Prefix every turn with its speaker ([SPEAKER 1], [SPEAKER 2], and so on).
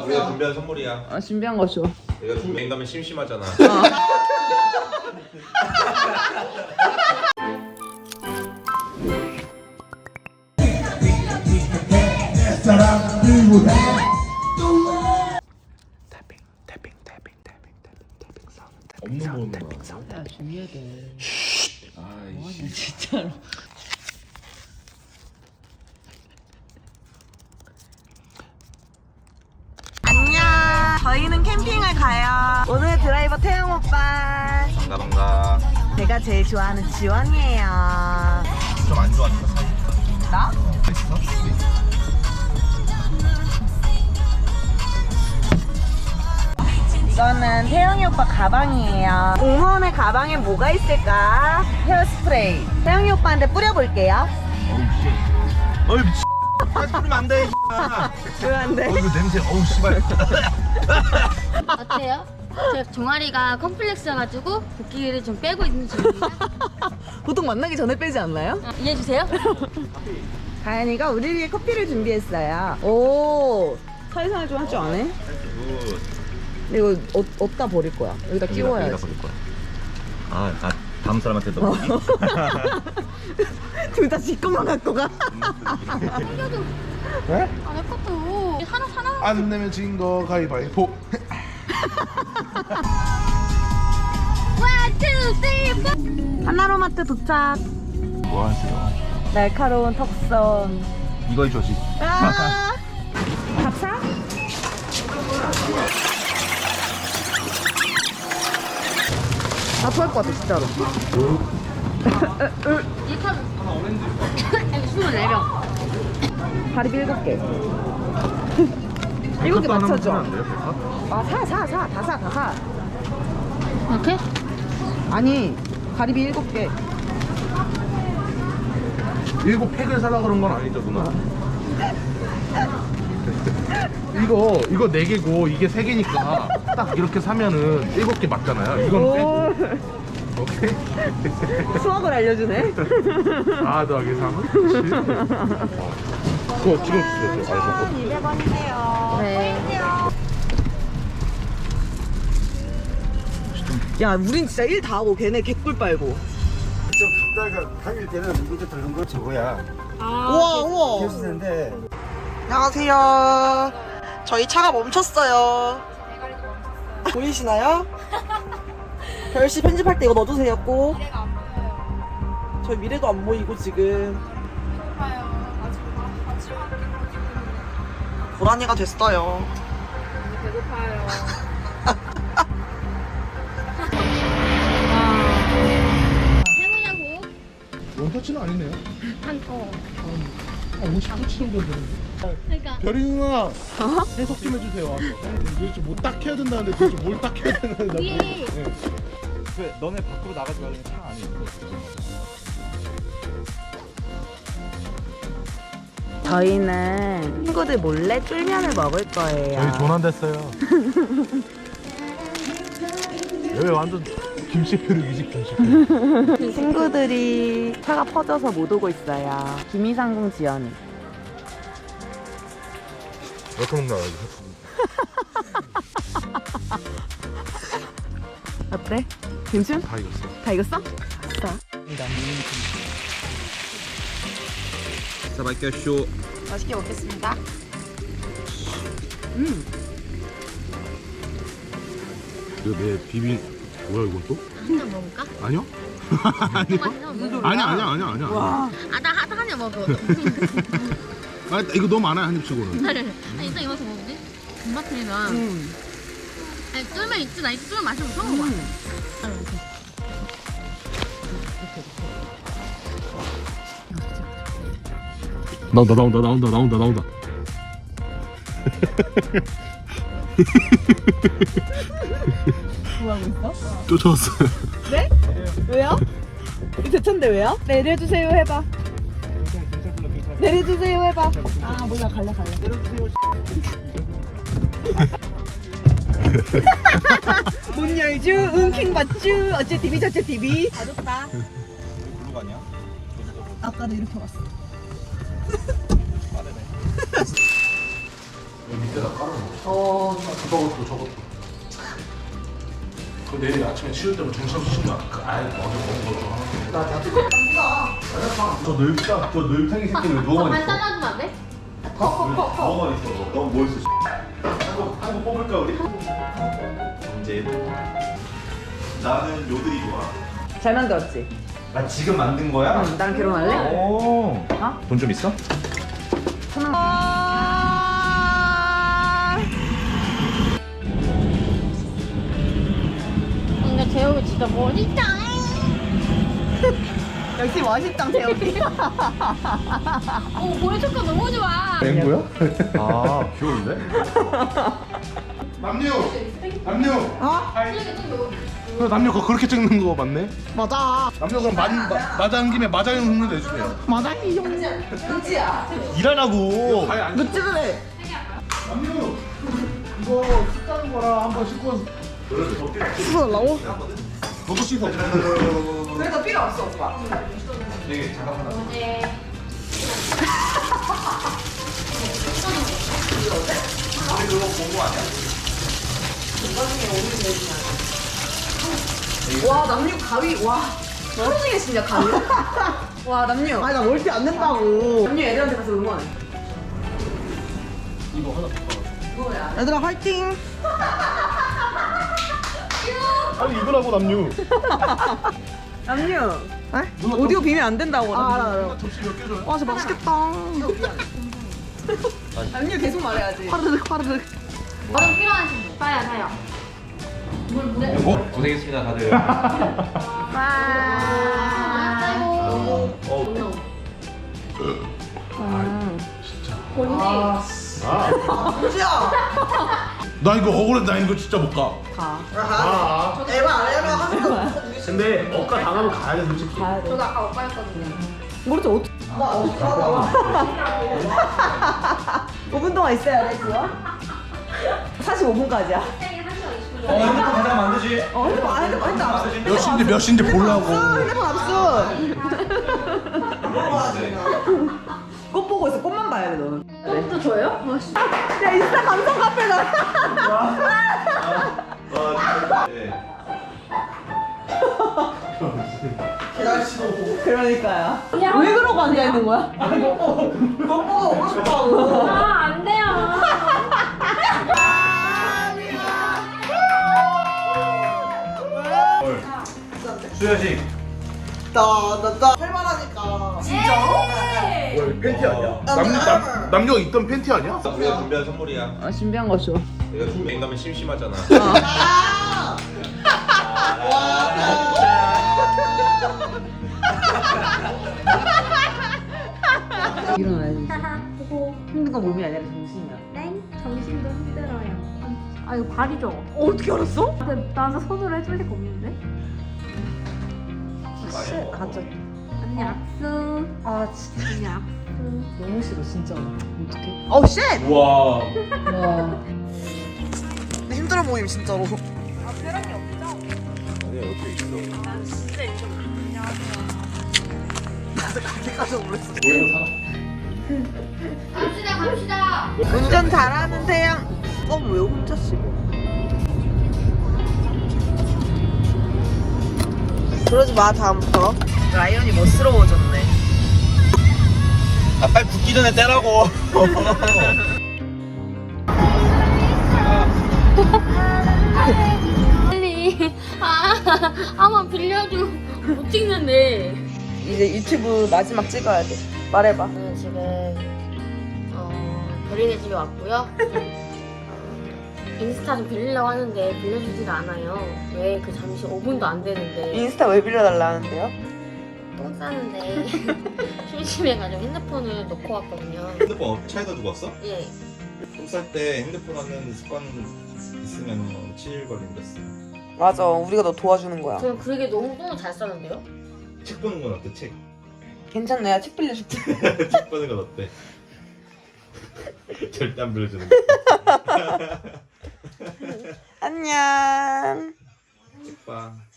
[SPEAKER 1] 우리가 준비한 선물이야.
[SPEAKER 2] 아, 준비한 거 줘.
[SPEAKER 1] 내가 준비한 다면 심심하잖아.
[SPEAKER 3] 없는 번호가.
[SPEAKER 2] 야, 준비해야 돼.
[SPEAKER 3] 아이씨.
[SPEAKER 2] 진짜로.
[SPEAKER 4] 안녕. 저희는 캠핑을 가요. 오늘 드라이버 태영 오빠.
[SPEAKER 1] 반가.
[SPEAKER 4] 제가 제일 좋아하는 지원이에요.
[SPEAKER 1] 좀 안 좋아하니까.
[SPEAKER 4] 나? 이거는 태영이 오빠 가방이에요. 공무원의 가방에 뭐가 있을까? 헤어스프레이. 태영이 오빠한테 뿌려볼게요.
[SPEAKER 1] 어이 미친. 다시 뿌리면 안 돼.
[SPEAKER 4] 왜 안 돼?
[SPEAKER 1] 이거 냄새. 어우 씨발.
[SPEAKER 5] 어때요? 제 종아리가 컴플렉스여가지고 붓기를 좀 빼고 있는 중입니다.
[SPEAKER 4] 보통 만나기 전에 빼지 않나요?
[SPEAKER 5] 이해해주세요.
[SPEAKER 4] 가연이가 우리 위해 커피를 준비했어요. 오, 사회생활 좀 할 줄 아네? 근데 이거 어디다 버릴 거야? 여기다 끼워야지.
[SPEAKER 1] 버릴 거야. 아, 다음 사람한테 넣어.
[SPEAKER 4] 둘 다 지 것만 갖고 가.
[SPEAKER 3] 네?
[SPEAKER 5] 아, 내 것도 하나.
[SPEAKER 3] 안 내면 진 거 가위바위보.
[SPEAKER 5] One, two, three, four.
[SPEAKER 4] 하나로마트 도착.
[SPEAKER 1] 뭐 하세요?
[SPEAKER 4] 날카로운 턱선.
[SPEAKER 1] 이거 해줘지.
[SPEAKER 4] 아, 밥 사? 나 토할 것 같아, 진짜로.
[SPEAKER 5] 이 컵. 여기 24명.
[SPEAKER 4] 가리비 7개. 7개 맞춰줘. 아, 사. 다 사.
[SPEAKER 5] 이렇게?
[SPEAKER 4] 아니, 가리비 7개.
[SPEAKER 3] 7팩을 사라 그런 건 아니죠 누나? 이거 4개고 이게 3개니까 딱 이렇게 사면은 7개 맞잖아요. 이건 빼고. 오케이.
[SPEAKER 4] 수학을 알려주네.
[SPEAKER 3] 4 더하기 3은 7. 그거 찍어주세요. 저 알고.
[SPEAKER 4] 200원이세요.
[SPEAKER 5] 네.
[SPEAKER 4] 야, 우린 진짜 일 다 하고 걔네 개꿀 빨고.
[SPEAKER 6] 좀 갔다가 당일 때는 이것도 들은 거 저거야.
[SPEAKER 4] 우와.
[SPEAKER 6] 계시는데
[SPEAKER 4] 안녕하세요. 저희 차가 멈췄어요. 보이시나요? 별씨 편집할 때 이거 넣어주세요 꼭. 저희 미래도 안 보이고 지금. 고라니가 됐어요.
[SPEAKER 5] 해보냐고.
[SPEAKER 3] 원터치는 아니네요.
[SPEAKER 5] 한
[SPEAKER 3] 50터치 정도 되는데.
[SPEAKER 5] 그러니까.
[SPEAKER 3] 별이 누나 해석 좀 해주세요. 와서. 도대체 뭐 딱 해야 된다는데 도대체 뭘 딱 해야 되는데.
[SPEAKER 5] 위에.
[SPEAKER 1] 왜 너네 밖으로 나가지 말라는 차 안에 있는 거
[SPEAKER 4] 저희는 친구들 몰래 쫄면을 먹을 거예요.
[SPEAKER 3] 저희 돈 안 됐어요. 여기 완전 김치표류이지 김치표.
[SPEAKER 4] 친구들이 차가 퍼져서 못 오고 있어요. 김이상궁 지연이.
[SPEAKER 3] 이렇게 먹나 여기.
[SPEAKER 4] 어때? 괜찮?
[SPEAKER 3] 다 익었어.
[SPEAKER 4] 다 익었어? 자.
[SPEAKER 1] 사바이켜 쇼.
[SPEAKER 4] 맛있게 먹겠습니다.
[SPEAKER 3] 이거 내 비빔 뭐야 이건 또?
[SPEAKER 5] 한잔 먹을까?
[SPEAKER 3] 아니요? 아니야.
[SPEAKER 4] 와.
[SPEAKER 5] 아, 나 한 잔 먹어.
[SPEAKER 3] 아 이거 너무 많아요 한 입치고는.
[SPEAKER 5] 아니, 일단 이거 좀 먹을게. 군마트리나. 아니, 쫄면 있지? 나 이거 쫄면 마시면 처음 먹어.
[SPEAKER 3] 나온다.
[SPEAKER 4] 뭐하고 있어?
[SPEAKER 3] 쫓아왔어요.
[SPEAKER 4] 네? 왜요? 이 대천데 왜요? 내려주세요 해봐. 내려주세요 해봐. 아 몰라 갈래. 문 열주 은킹 받주 어째 TV 저째 TV. 아 좋다.
[SPEAKER 1] 어디로 가냐?
[SPEAKER 4] 아까도 이렇게 왔어.
[SPEAKER 3] 밑에다 깔아놓고. 저것도. 그 내일 아침에 치울 때면 정신없이 치면 아예 어제 먹은 거좀 하나.
[SPEAKER 1] 저 늙탱이 새끼는 왜
[SPEAKER 5] 저
[SPEAKER 1] 누워만
[SPEAKER 5] 반
[SPEAKER 1] 있어?
[SPEAKER 5] 잘라주면 안 돼?
[SPEAKER 1] 누워만 있어. 넌 뭐 있어? 한거 뽑을까 우리? 언제? 나는 요들이 좋아.
[SPEAKER 4] 잘 만들었지?
[SPEAKER 1] 아 지금 만든 거야?
[SPEAKER 4] 응, 나랑 결혼할래?
[SPEAKER 1] 오. 돈 좀 있어?
[SPEAKER 5] 근데 재욱이 진짜 멋있다.
[SPEAKER 4] 역시 멋있다, 재욱이.
[SPEAKER 5] 오 머리 색깔 너무 좋아.
[SPEAKER 1] 맹구야? 아 귀여운데?
[SPEAKER 3] 남녀.
[SPEAKER 4] 어?
[SPEAKER 3] 남녀 그거 그렇게 찍는 거 맞네?
[SPEAKER 4] 맞아.
[SPEAKER 3] 남녀 그럼 맞아한 김에 맞아요 흉내 내주세요.
[SPEAKER 4] 은지야.
[SPEAKER 1] 일하라고.
[SPEAKER 4] 너 찍으래.
[SPEAKER 3] 남녀 이거 씻자는 거라 한번 씻고
[SPEAKER 4] 씻어달라고?
[SPEAKER 3] 너도 씻어.
[SPEAKER 4] 그래도 필요 없어, 오빠.
[SPEAKER 1] 되게 잠깐만.
[SPEAKER 5] 네.
[SPEAKER 1] 우리 그거 본거 아니야?
[SPEAKER 4] 와, 남녀 가위, 와. 하루 종일 진짜 가위. 와, 남녀. 아니, 나 멀티 안 낸다고. 남녀 애들한테 가서 응원해.
[SPEAKER 3] 이거 하나 더.
[SPEAKER 4] 얘들아, 화이팅!
[SPEAKER 3] 아니 이거라고 남녀.
[SPEAKER 4] 남녀. 오디오 비면 안 된다고.
[SPEAKER 3] 누나 접시 몇 개 줘요?
[SPEAKER 4] 와, 진짜 맛있겠다. 남녀 계속 말해야지. 파르륵.
[SPEAKER 5] 얼음 필요하신 분 사요. 물에.
[SPEAKER 1] 고생했습니다 다들.
[SPEAKER 4] 은지야!
[SPEAKER 3] 나 이거 억울해. 나 이거 진짜 못 가.
[SPEAKER 4] 에바 안 해봐 하는 거.
[SPEAKER 1] 근데 억까 당하면 가야 돼 솔직히.
[SPEAKER 5] 저도 아까 오빠였거든요.
[SPEAKER 4] 모르지, 나 어떡하다. 5분 동안 있어야 돼, 그거? 45분까지야.
[SPEAKER 1] 핸드폰 가장 만드지.
[SPEAKER 4] 핸드폰 압수.
[SPEAKER 3] 몇 시인지 보려고.
[SPEAKER 4] 핸드폰 압수. 꽃 보고 있어. 꽃만 봐야 돼, 너는.
[SPEAKER 5] 또 줘요?
[SPEAKER 4] 야, 인스타 감성 카페다. 그러니까요. 왜 그러고 앉아 있는 거야? 꽃 보고 오고 싶다고.
[SPEAKER 5] 아, 안 돼요.
[SPEAKER 1] 수여식.
[SPEAKER 4] 할만하니까.
[SPEAKER 1] 팬티 아니야?
[SPEAKER 3] 남녀 입던 팬티 아니야?
[SPEAKER 1] 우리가 준비한 선물이야.
[SPEAKER 4] 아, 준비한 거 줘.
[SPEAKER 1] 내가 준비한다면 심심하잖아.
[SPEAKER 4] 일어나야지. 힘든 건 몸이 아니라 정신이야.
[SPEAKER 5] 네? 정신도 힘들어요. 아 이거 발이죠?
[SPEAKER 4] 어떻게 알았어?
[SPEAKER 5] 근데 나도 손으로 해줄 리가 없는데?
[SPEAKER 4] 가짜.
[SPEAKER 5] 언니 악수.
[SPEAKER 4] 아, 진짜.
[SPEAKER 5] 언니 악수.
[SPEAKER 4] 너무 싫어, 진짜. 어떡해. 어우, 쉣!
[SPEAKER 1] 우와.
[SPEAKER 4] 와. 힘들어 보임, 진짜로.
[SPEAKER 1] 아니 옆에 있어.
[SPEAKER 4] 그때까지 몰랐어.
[SPEAKER 5] 갑시다.
[SPEAKER 4] 운전 잘하는 태양. 왜 혼자 씹어? 그러지 마, 다음부터. 라이언이 멋스러워졌네.
[SPEAKER 1] 아 빨리 굳기 전에 떼라고.
[SPEAKER 5] 빨리. 한번 빌려줘. 못 찍는데.
[SPEAKER 4] 이제 유튜브 마지막 찍어야 돼. 말해봐.
[SPEAKER 5] 저는 지금 별이네 집에 왔고요. 인스타 좀 빌리려고 하는데 빌려주지가 않아요. 왜 그 잠시 5분도 안 되는데
[SPEAKER 4] 인스타 왜 빌려달라는데요?
[SPEAKER 5] 똥 싸는데 심심해가지고 핸드폰을 놓고 왔거든요.
[SPEAKER 1] 핸드폰 차에다 두고 왔어?
[SPEAKER 5] 예.
[SPEAKER 1] 똥쌀 때 핸드폰 하는 습관 있으면 치일 걸린댔어.
[SPEAKER 4] 맞아, 우리가 너 도와주는 거야.
[SPEAKER 5] 저는 그게 너무 똥을 잘 싸는데요?
[SPEAKER 1] 책 보는 건 어때? 책.
[SPEAKER 4] 괜찮네, 야, 책 빌려줄게.
[SPEAKER 1] 책 보는 건 어때? 절대 안 빌려주는 거.
[SPEAKER 4] 안녕.
[SPEAKER 1] 책 봐.